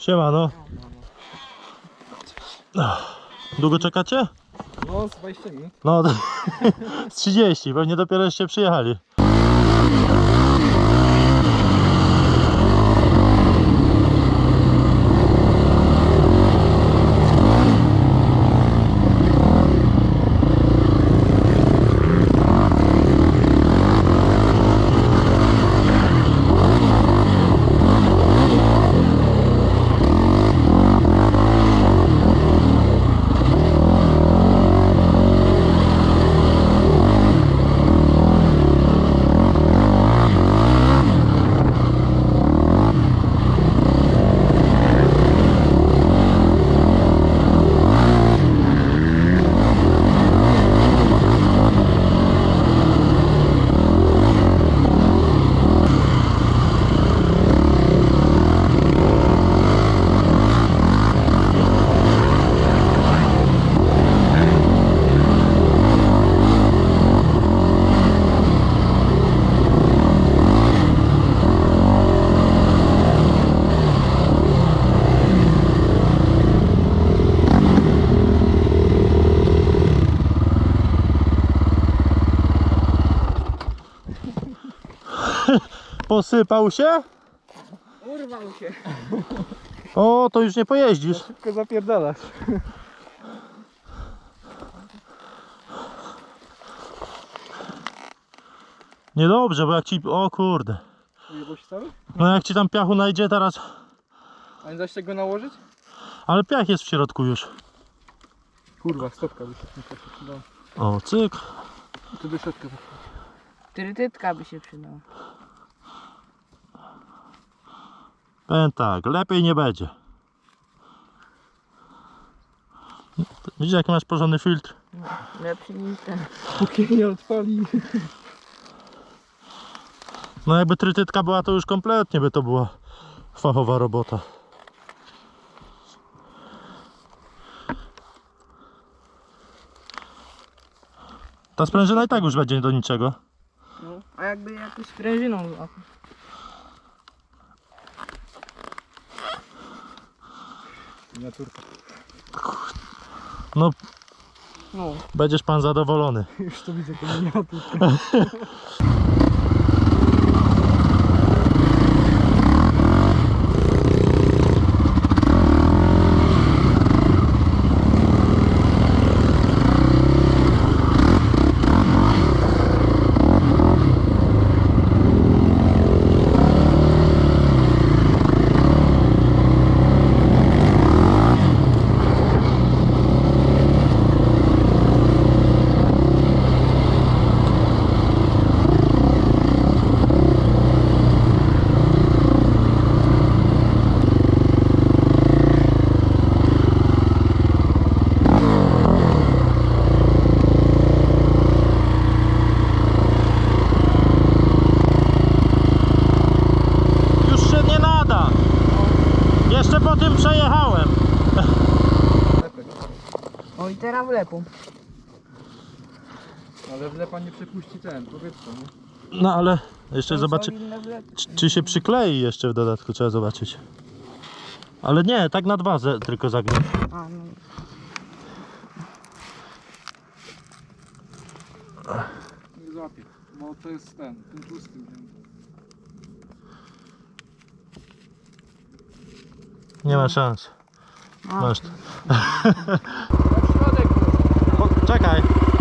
Siemano. Długo czekacie? No, z 20 minut. No, z 30, pewnie dopiero jeszcze przyjechali. Posypał się? Urwał się. O, to już nie pojeździsz. Szybko zapierdalasz. Niedobrze, bo jak ci... O kurde. Ujebał się cały? No jak ci tam piachu najdzie teraz... A nie da się go nałożyć? Ale piach jest w środku już. Kurwa, stopka by się przydała. O, cyk. Tu by środka. Trytytka by się przydała. Powiem tak, lepiej nie będzie. Widzisz jaki masz porządny filtr? Lepszy niż ten. Póki nie odpali. No jakby trytytka była, to już kompletnie by to była fachowa robota. Ta sprężyna i tak już będzie do niczego. No, a jakby jakąś sprężyną złapał. Miniaturka. No, No. będziesz pan zadowolony. Już to widzę, to miniaturka. Jeszcze po tym przejechałem. O i teraz wlepą. Ale wlepa nie przepuści ten, powietrze, nie? No ale jeszcze Są zobaczy, solidne wlepy. czy się przyklei jeszcze w dodatku, trzeba zobaczyć. Ale nie, tak na dwa tylko zagnie. A, no. Nie złapie, bo to jest ten tłusty. Nie ma szans. A. Masz to. Na środek. Czekaj.